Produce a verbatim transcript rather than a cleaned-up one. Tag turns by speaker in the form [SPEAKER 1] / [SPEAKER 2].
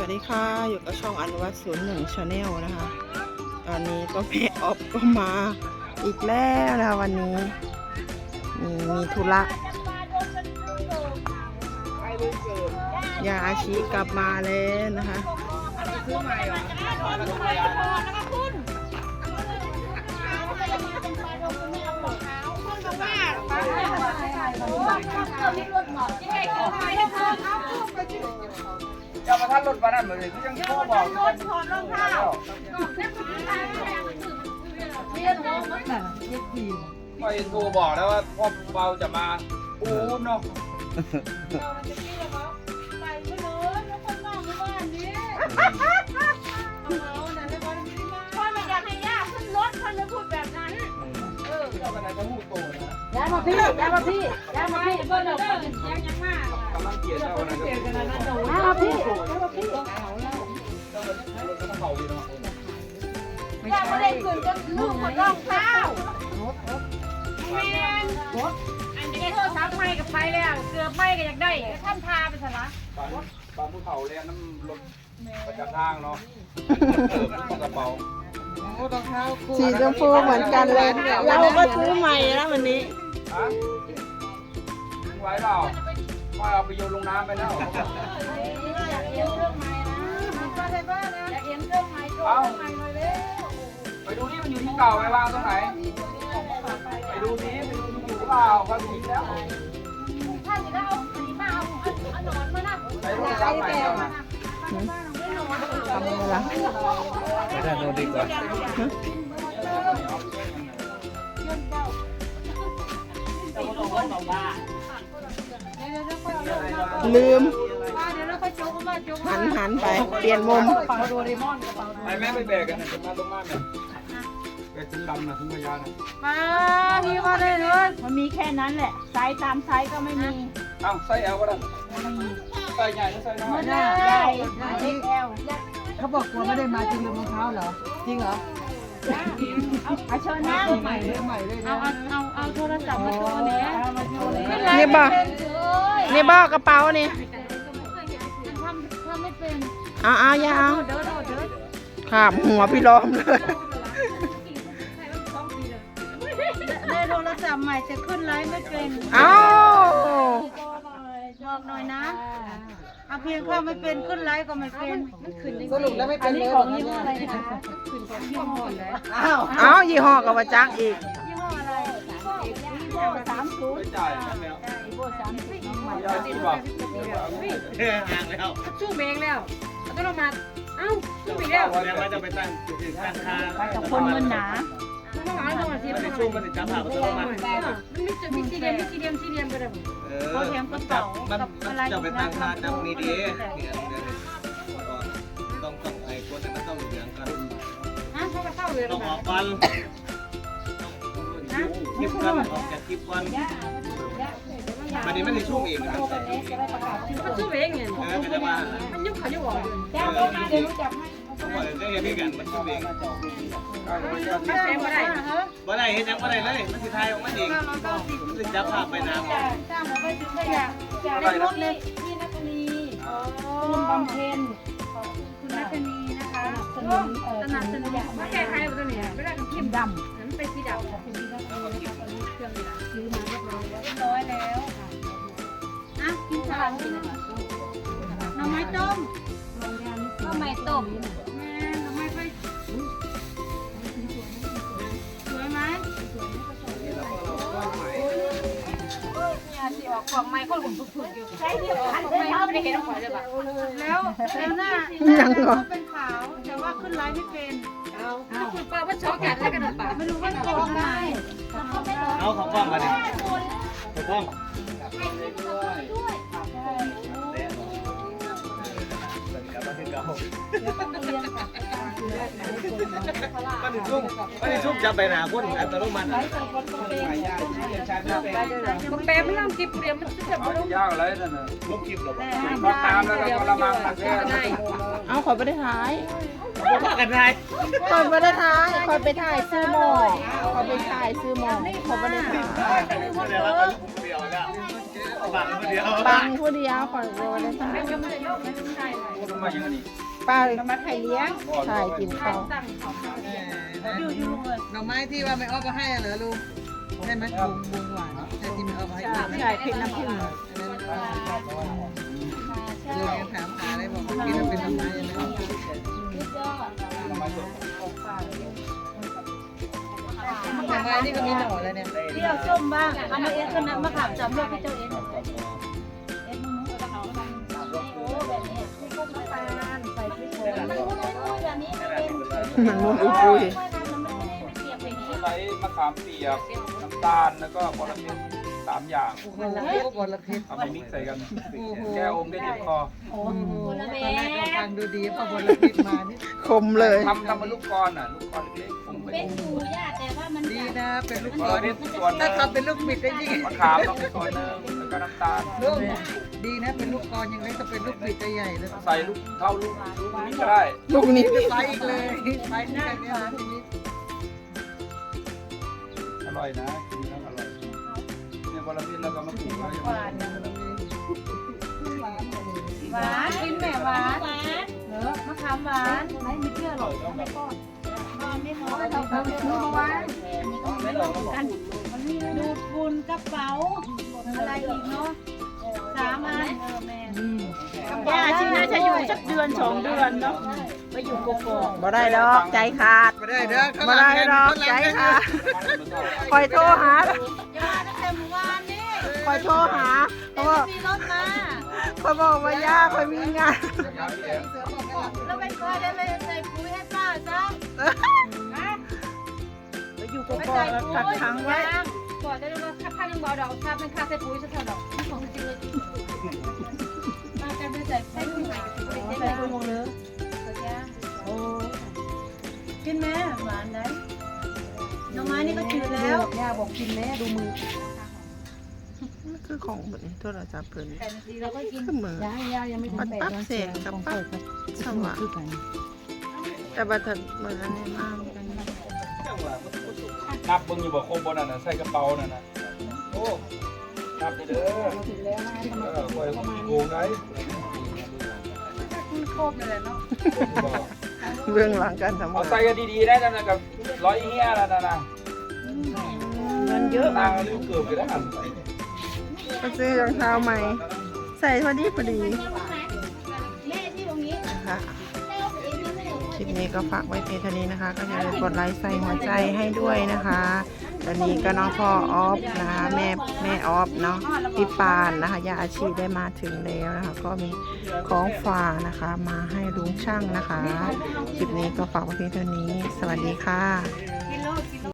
[SPEAKER 1] วัสดีค่ะอยู่กับช่องอนุวัตศูนย์หนึ่งชาแนลนะคะตอนนี้ก็แม่ออฟก็มาอีกแล้วนะคะวันนี้มีมีธุระยาอาชีกลับมาแล้วนะคะ
[SPEAKER 2] จะมาท่านรถมานั่นเลยที่ยังโทรบอกถอดรองเท้าไปโทรบอกแล้วว่าพ่อเบาจะมาปูเนาะ
[SPEAKER 3] ไปไม่เลยแล้วคนนอกในบ้านนี้พ่อไม่อยากให้ย่าขึ้นรถพ่อจะพูดแบบนั้นเออ
[SPEAKER 2] เจ้ากันไหนจะพูดโตนะ
[SPEAKER 3] ย่ามาพี่ย่ามาพี่ย่ามาพี่เพื่อนเราเพื่อนยังยังมาก
[SPEAKER 2] กำลังเกลียดเจ้ากันไหนจะพูด
[SPEAKER 3] ย่ามาพี่ย่ามาพี่
[SPEAKER 2] เจ้ากันรถก็เข่าดีเนาะ
[SPEAKER 3] ย่ามาเล่นคืนจนลูกคนรองเท้าแมนอันนี้โทรศัพท์ไม่กับไปแล้วเกือบไม่ก็อยากได้ท่านพาไปสละ
[SPEAKER 2] บางบางภูเขาเลยน้ำรถประจักษ์ทางเนาะกระเป๋า
[SPEAKER 1] สีชมพูเหมือนกันเลยเราก็ซื้อใหม่แล้ววันนี้
[SPEAKER 2] ฮะไว้เปล่าไม่เอาไปโยนลงน้ำไปแล้ว
[SPEAKER 3] อยากเลี้ยงเครื่องไม้นะมันก็ได้บ้านนะอยากเลี้ยงเครื่องไม้โจ้เครื่องไม้หน่อยเร็ว
[SPEAKER 2] ไปดูนี่มันอยู่ที่เก่าไปวางตรงไหนไปดูนี้ไปดูอยู่เปล่าความจริงแล้ว
[SPEAKER 3] ถ้าจะได้เอาสีมาเอาเอาหนอนมานะ
[SPEAKER 2] ไปโทรศัพท์ใหม่แล้วนะ
[SPEAKER 1] ทำอะไรล่ะ
[SPEAKER 2] ไม่ได้โน้ตดีกว่า
[SPEAKER 1] ลืม
[SPEAKER 3] เดี๋ยวเราค่อยโจ๊กมาโจ๊ก
[SPEAKER 1] หันหันไปเปลี่ยนมุม
[SPEAKER 2] ไปแม่ไปแบกกันนะจะมาตรงมาเนี่ยแบกถึงลำนะถึงพยานะ
[SPEAKER 3] มาพี่มาเลยเลยมันมีแค่นั้นแหละไซส์ตามไซส์ก็ไม่มี
[SPEAKER 2] เอ้าใส่เอลก็ได้ใส่ใหญ่หรือใส่น้อย
[SPEAKER 3] ใหญ่ใหญ่เอ็กแอล
[SPEAKER 4] เขาบอกกลัวไม่ได้มาจริงลืมรองเท้าเหรอ จริงเหรอ
[SPEAKER 3] เอาเชิญนั่ง
[SPEAKER 4] ใหม่เลยใหม่เลย
[SPEAKER 3] เอา
[SPEAKER 4] นะ
[SPEAKER 3] เอาเอาเอาโทรศัพท์มาโชว์เนี่ย
[SPEAKER 1] นี่บ่นี่บ่กระเป๋านี่
[SPEAKER 3] ทำทำไม่เป็น
[SPEAKER 1] เอาเอาอย่าเอา
[SPEAKER 3] เด้อเด้อเด้อ
[SPEAKER 1] ขาบหัวพี่ล้อมเลย
[SPEAKER 3] ได้โทรศัพท์ใหม่จะขึ้นไลฟ์ไม่เป็น
[SPEAKER 1] เอา
[SPEAKER 3] บอกหน่อยนะเอาเพียงเข้าไม่เป็นขึ้นไลฟ์ก็ไม่เป็น
[SPEAKER 4] สรุปแล้วไม่เป็นเลย
[SPEAKER 3] ของยี่ห้ออะไรคะยี่ห้ออะไร
[SPEAKER 4] อ้าว
[SPEAKER 1] เอายี่ห้อกับว่าจักอีก
[SPEAKER 3] ยี่ห้ออะไรยี่ห้อสามศูนย์
[SPEAKER 2] ไม่จ่ายนั่นแล้ว
[SPEAKER 3] ยี่ห้อสามศูนย์น้องใหม่
[SPEAKER 2] ยาจีบอ่ะ
[SPEAKER 5] ห่างแล้ว
[SPEAKER 3] ชูเบงแล้วต้องลงมาเอ้าชูอีกแล้ว
[SPEAKER 5] แล้วมันจะไปตั้งจุดตั้งค่า
[SPEAKER 3] กับคนมันหนาต้องหาตัวที่
[SPEAKER 5] มัน
[SPEAKER 3] มัน
[SPEAKER 5] ในช่วงมันจะจับผ่าประตูมา
[SPEAKER 3] มันไม่จะมีสี่เหลี่ยมมีสี่เหลี่ยมสี่เหลี่ยมก็ได้
[SPEAKER 5] เออมันจับมันมันจะไปตั้งค่าจับนี่ดีเนี่ยต้องต้องไอ้คนนั้นมันต้องเหลืองกัน
[SPEAKER 3] ฮะเขาไปเข้าเลย
[SPEAKER 5] ต้องออกก่อนคลิปกันออกจากคลิปกันมันนี้มันในช่วงเองนะ
[SPEAKER 3] มันชูเองเนี่ย
[SPEAKER 5] เออเป็นว่า
[SPEAKER 3] มันยุบเขายุบออก
[SPEAKER 5] เออจริงต้องบอกเลยได้เห็นกันมันช่วงเอง
[SPEAKER 3] ไม่เป็นไม่ได้
[SPEAKER 5] บ่ได้เห็นยังบ่ได้เลยมันสิทายออกมาเองมันสิจับภาพไปน้ำ
[SPEAKER 3] จ้างมาไปถึงได้อยากอยากได้รถเลยพี่นัทนีคุณบำเพ็ญคุณนัทนีนะคะสนับสนุนสนับสนุนไม่แก้ใครตัวนี้ไม่ได้เข้มดำนั้นเป็นสีดำเป็นสีดำเลยนะคะตอนนี้เครื่องนี้ซื้อมาเรียบร้อยเรียบร้อยแล้วอ่ะกินสลัดกินหน่อไม้ต้มหน่อไม้ต้มแม่หน่อไม้ไปสวยไหมสีออกกล่องไม้คนผมฝึกๆอยู่ใช่ที่อันไม่ไม่ได้เห็นของเลยป่ะแล้วแล้วหน้า
[SPEAKER 1] ยังเหรอ
[SPEAKER 3] เป็นขาวแต่ว่าขึ้นไลน์ไม่เป็นเอาเอาคุณป้าว่าช็อกกันแล้วกันป่ะไม่รู้ว่าโกงไหม
[SPEAKER 5] เอาของกล้องมาดิของกล้อง มันถึงชุ่มมันถึงชุ่มจับไปหนาคนอัตโนมัติ
[SPEAKER 3] แปมไม่ต้องกินเปรี้ยวมันจะแบบ
[SPEAKER 2] เอายากอะไรนั่นน่ะ
[SPEAKER 5] ลบคลิปหรอ
[SPEAKER 2] พอตามแล้วก็กระมังตักแก้
[SPEAKER 1] เอาขอไปได้ท้าย
[SPEAKER 5] พากันได้
[SPEAKER 1] ขอไปได้ท้ายขอไปถ่ายซื้อหมอขอไปถ่ายซื้อหมอขอไปได้ถ่าย
[SPEAKER 5] เดี๋ยวเราเดียวแล้วบังเดียว
[SPEAKER 1] บังผู้เดียวขอไปได้ถ่าย
[SPEAKER 3] ก็ไม่ได้โยกไม่ได้เลย
[SPEAKER 2] ก็มาอย่างนี้
[SPEAKER 1] ป้า
[SPEAKER 3] มาไข่เลี้ยง
[SPEAKER 1] ถ่ายกินข้าว
[SPEAKER 3] สั่งของเขา
[SPEAKER 4] เออ
[SPEAKER 3] อยู่อยู่ลุงเลย
[SPEAKER 4] หน่อไม้ที่ว่าไม่อ้อก็ให้เหรอลุงใช่ไหมบุงบุงหวานใช่ที่ไม่อ้อก็ให้ลุง
[SPEAKER 3] ใช่เผ็ดน้ำผึ้ง
[SPEAKER 4] ลุงยังถามหาเลยบอกว่ากินแล้วเป็นหน่อไม้ยังไงหน่อไม้นี่ก็มีหน่อแล้วเนี่ย
[SPEAKER 3] เปรี้ยวส้มบ้างเอามาเอ็ดก็น้ำมะขามจำเลือกให้เจ้าเอ็ดเอ็ดมึงโอ้แบบนี้ที่พวกน้ำตาลใส่พริกโขลกแบบนี้เป็น
[SPEAKER 1] มันมุนอุ้ยปุ้ย
[SPEAKER 2] ใช้มะขามเปียกน้ำตาลแล้วก็บอระเพ็ดสามอย่าง
[SPEAKER 4] โอ้โหบอลเพ็ด
[SPEAKER 2] เอามามิกซ์ใส่กันแก้อมได้เจ็บคอ
[SPEAKER 4] โอ้โหตอนแรกเราฟังดูดีพอบอลเพ็ดมานี่
[SPEAKER 1] คมเลย
[SPEAKER 2] ทำทำเป็นลูกกรอ่ะลูกกรเล็กๆผมไป
[SPEAKER 3] เป็นหมูย่าแต่ว่ามัน
[SPEAKER 4] ดีนะเป็นลูก
[SPEAKER 2] บ
[SPEAKER 4] บ
[SPEAKER 2] อ
[SPEAKER 4] อ
[SPEAKER 2] ระ
[SPEAKER 4] ล
[SPEAKER 2] เพ็ดส่วน
[SPEAKER 4] ถ้าทำเป็นลูกบิดได้ยิ่ง
[SPEAKER 2] มะขามต้องส่วนหนึงแล้วก็น้ำตาล
[SPEAKER 4] ลูกดีนะเป็นลูกกรยังไงถ้าเป็นลูกบิดจะใหญ่เลย
[SPEAKER 2] ใส่ลูกเท่าลูกลูกนี้ก็ได้
[SPEAKER 1] ลูกนี้
[SPEAKER 4] ไปอีกเลยไปที่ไหนเนี่ยทีนี้
[SPEAKER 2] อร่อยนะกินแล้วอร่อยเนี่ยบอระเพ็ดแล้วก็มะกรูดไว้
[SPEAKER 3] หวานหวานกินแม่หวานหวานเออมะขามหวานไม่มีเชื่อหรอกไม่ก้อนไม่พอเราทำเป็นหวานไม่ลงกันมันมีดูดฝุ่นกระเป๋าอะไรอีกเนาะสามอันเออแม่ย่าชิน่าจะอยู่สักเดือนสองเดือนเนาะไปอยู่กกอก
[SPEAKER 1] บ่ได้ดอกใจขาด
[SPEAKER 4] ไม่ได้เด้อข้างห
[SPEAKER 1] บ่
[SPEAKER 4] ลัง
[SPEAKER 1] ได้ดอกใจขาดคอยโทรหา
[SPEAKER 3] ย่าตั้งแต่เมื่อวานนี่
[SPEAKER 1] คอยโทรหาเพราะว่า
[SPEAKER 3] มีรถมา
[SPEAKER 1] เขาบอกว่าย่าคอยมีงาน
[SPEAKER 3] แล้วไปคอยได้เลยใส่ปุ๋ยให้ป้าจ้า
[SPEAKER 1] ไปอยู่กกอกแล้วกักขังไว้
[SPEAKER 3] ก่อนจะได้ว่าค่ายังเบาดอกค่าเป็นค่าใส่ปุ๋ยสักเท่าดอกของจริงเลยมากันไปใส่ใส่ปุ๋ยใส่ปุ๋ยใส่ปุ๋ยเลยโอ้กินไหมหวานไหมน้องไม้นี่ก็จืดแล้ว
[SPEAKER 4] ย่าบอกกินแม่ดูมือ
[SPEAKER 1] คือของแบบนี้โทรศัพท์เพิ่น
[SPEAKER 3] แต่จริงเราก็กิน
[SPEAKER 1] คือเหมือน
[SPEAKER 4] ย่าย่ายังไม่ถึง
[SPEAKER 1] ปัด
[SPEAKER 4] แปด
[SPEAKER 1] ปั๊บ
[SPEAKER 4] วัน
[SPEAKER 1] เสียงกับปั๊บสว่างแต่บัดทันบัดทันนี่มากกัน
[SPEAKER 2] นับเบิ่งอยู่บ่ครบบนนั่นน่ะใส่กระเป๋านั่นน่ะโอ้นับไปเด้อเออคอยโกงได้
[SPEAKER 3] โคบเลยเนาะ
[SPEAKER 1] เบื้องหลังการทำ
[SPEAKER 2] เอา
[SPEAKER 1] งา
[SPEAKER 2] ใส่
[SPEAKER 1] น
[SPEAKER 2] กันดีๆได้นั่นน่ะกับร้อยเฮียแล้วนั่นน่ะ
[SPEAKER 1] เงินเยอะ
[SPEAKER 2] ตังค์ลืมเกือบไปแล้วหั่น
[SPEAKER 1] ก็ซื้อรองเท้าใหม่ ใส่พอดีพอดี
[SPEAKER 3] แม่ที่ตรงนี้
[SPEAKER 1] นะคะคลิปนี้ก็ฝากไว้เพียงเท่านี้นะคะ ก็อย่าลืมกดไลค์ใส่หัวใจให้ด้วยนะคะตอนนี้ก็น้องพ่อออฟนะคะแม่แม่ออฟเนาะพี่ปานนะคะยาอาชีพได้มาถึงแล้วนะคะ ก็มีของฝากนะคะ มาให้ลุงช่างนะคะ คลิปนี้ก็ฝากไว้เพียงเท่านี้ สวัสดีค่ะ